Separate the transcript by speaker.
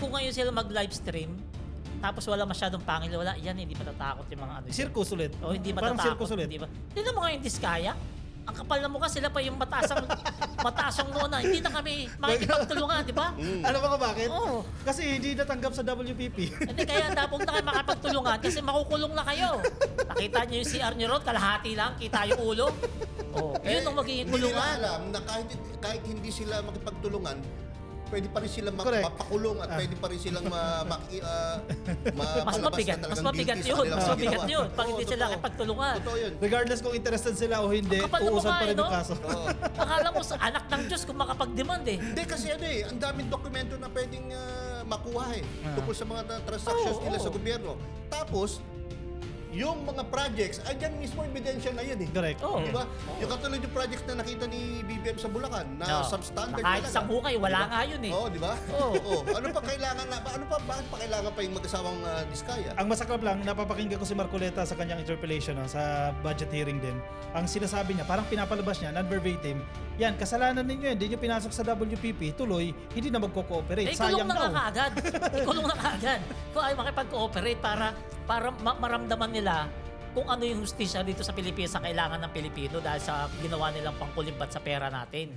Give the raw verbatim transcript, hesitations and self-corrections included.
Speaker 1: kung ngayon sila mag-live stream, tapos wala masyadong pangil, wala, yan, hindi matatakot yung mga ano.
Speaker 2: Circus ulit.
Speaker 1: O hindi
Speaker 2: Parang
Speaker 1: matatakot.
Speaker 2: circus ulit.
Speaker 1: Hindi ba? Tignan mo ngayon Diskaya. Ang kapal na mukha, sila pa yung mataas ang, mataas ang noo na. Hindi na kami makikipagtulungan, di ba?
Speaker 2: Alam mo ka bakit?
Speaker 1: Oo.
Speaker 2: Kasi hindi natanggap sa W P P.
Speaker 1: Hindi, kaya dapat na kayo makapagtulungan kasi makukulong na kayo. Nakita niyo yung C R niyo ron, kalahati lang, kita yung ulo. Oh, yun ang magiging
Speaker 3: Hindi nila
Speaker 1: kulungan.
Speaker 3: alam na kahit, kahit hindi sila makipagtulungan, pwede pa rin silang ma-
Speaker 2: Correct.
Speaker 3: mapakulong at
Speaker 2: Ah.
Speaker 3: pwede pa rin silang ma, ma, uh,
Speaker 1: Mas
Speaker 3: mapalabas
Speaker 1: mabigat,
Speaker 3: na
Speaker 1: mas
Speaker 3: talagang
Speaker 1: mabigat
Speaker 3: guilty sa
Speaker 1: yun.
Speaker 3: kanilang
Speaker 1: Mas
Speaker 3: mga
Speaker 1: mabigat
Speaker 3: ginawa.
Speaker 1: yun. Pag
Speaker 3: Oo,
Speaker 1: hindi sila
Speaker 3: totoo.
Speaker 1: nakipagtulungan.
Speaker 3: Totoo yun.
Speaker 2: Regardless kung interested sila o hindi,
Speaker 1: Ang kapal na
Speaker 2: uusan
Speaker 1: mukha,
Speaker 2: pa rin
Speaker 1: eh,
Speaker 2: yung
Speaker 1: no?
Speaker 2: kaso.
Speaker 3: Oo.
Speaker 1: Akala mo sa anak ng Diyos kung makapag-demand eh.
Speaker 3: Hindi kasi ano eh, ang daming dokumento na pwedeng ah, makuha eh.
Speaker 2: Ah.
Speaker 3: Tungkol sa mga na- transactions
Speaker 1: Oo,
Speaker 3: nila
Speaker 1: oo.
Speaker 3: sa gobyerno. Tapos, yung mga projects, andyan mismo ebidensya na yan eh.
Speaker 2: Correct.
Speaker 1: Oo.
Speaker 3: Di ba? Yung katulad yung projects na nakita ni B B M sa Bulacan na
Speaker 1: Oo.
Speaker 3: substandard
Speaker 1: Na kahit
Speaker 3: talaga.
Speaker 1: isang hukay, wala
Speaker 3: Di ba?
Speaker 1: nga yun eh.
Speaker 3: Oo, di ba?
Speaker 1: Oo.
Speaker 3: Oo. Ano pa kailangan na, ano pa, bakit pa kailangan pa yung mag-asawang ah, Diskaya?
Speaker 2: Ang masaklap lang, napapakinggan ko si Marcoleta sa kanyang interpellation no, sa budget hearing din. Ang sinasabi niya, parang pinapalabas niya, non-verbatim, yan, kasalanan ninyo, hindi nyo pinasok sa W P P, tuloy, hindi na magko-cooperate.
Speaker 1: Eh, ikulong
Speaker 2: Sayang
Speaker 1: na nga
Speaker 2: daw.
Speaker 1: kaagad. Ikulong na kaagad. Kung ay makipag-cooperate para, para ma- maramdaman nila kung ano yung hustisya dito sa Pilipinas sa kailangan ng Pilipino dahil sa ginawa nilang pangkulimbat sa pera natin.